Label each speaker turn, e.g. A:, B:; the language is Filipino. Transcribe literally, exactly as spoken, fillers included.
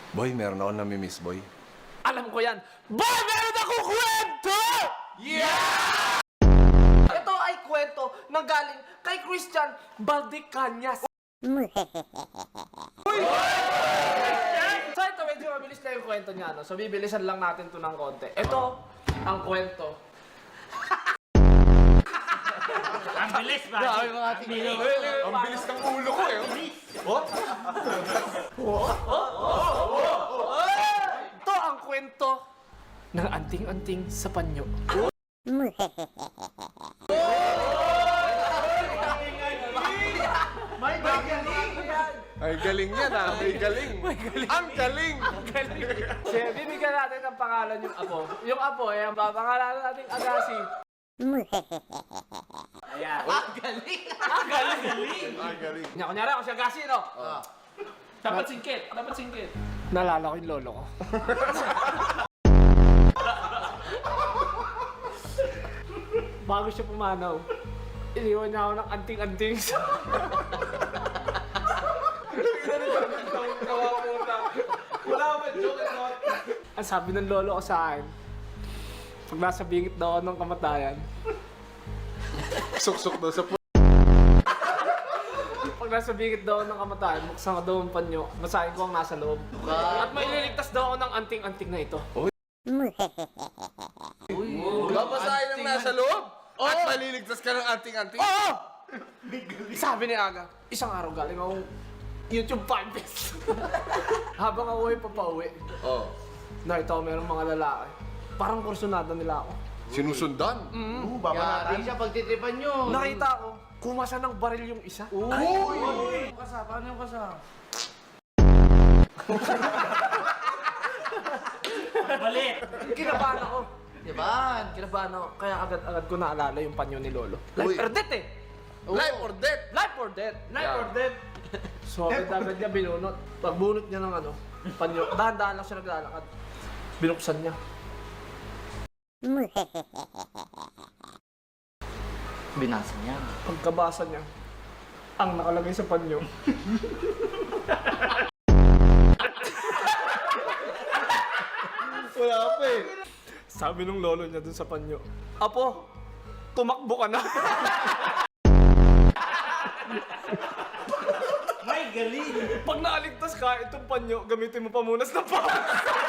A: Boy, meron ako namimiss, boy.
B: Alam ko yan. Boy, meron akong kwento!
A: Yeah!
B: Ito ay kwento na galing kay Christian Valdecañas. Uy! So ito, medyo mabilis na yung kwento niya, no? So bibilisan lang natin to ng konti. Ito ang kwento.
C: Ang bilis ba?
B: Grabe mga tingin.
A: Ang bilis ng ulo ko eh.
B: Ito ang kwento ng anting-anting sa panyo.
A: Ay, galing yan ah. May galing. Ang galing.
B: Sige, bibigyan natin ng pangalan yung apo. Yung apo, eh, ang papangalanan natin Agassi.
C: Ayan.
B: Ang galing! Ang galing!
A: Ang galing.
B: Nya, kunyari ako si Agassi, no?
C: Dapat singkit. Dapat singkit.
B: Nalala ko yung lolo ko. Bago siya pumanaw, iniwan niya ako ng anting-anting sa...
A: Wala ba joke at not?
B: Ang sabi ng lolo ko sa akin, pag nasa bingit daw ako ng kamatayan,
A: Suksok daw sa pu...
B: pag nasa bingit daw ako ng kamatayan, buksan ko daw ang panyo, basahin ko ang nasa loob. At may ililigtas daw ako ng anting-anting na ito.
A: Babasahin ang nasa loob? At maliligtas ka ng anting-anting?
B: Oo! Sabi ni Aga, isang araw galing akong YouTube fanbase. Habang ako ay papauwi,
A: Oo.
B: nakita ko mayroong mga lalaki. Parang kursunada nila ako.
A: Sinusundan?
C: Yari siya pagtitripan nyo.
B: Nakita ko, kumasa ng baril yung isa.
C: Uy! Kasa, paano yung kasa? Balit!
B: Kinabahan ako.
C: Diba?
B: Kinabahan ako. Kaya agad-agad ko naalala yung panyo ni Lolo. Life
A: Uy.
B: or death eh!
A: Life or death?
B: Life or death! Life
A: Yeah.
B: or death! So agad-agad niya binunot. Pagbunot niya ng ano, panyo. Dahan-dahan lang siya naglalakad. Binuksan niya.
C: Binasa niya.
B: Pagkabasa niya, ang nakalagay sa panyo.
A: Wala pa eh.
B: Sabi nung lolo niya dun sa panyo, Apo, tumakbo ka na.
C: May galing!
B: Pag nakaligtas ka, itong panyo, gamitin mo pamunas na pa.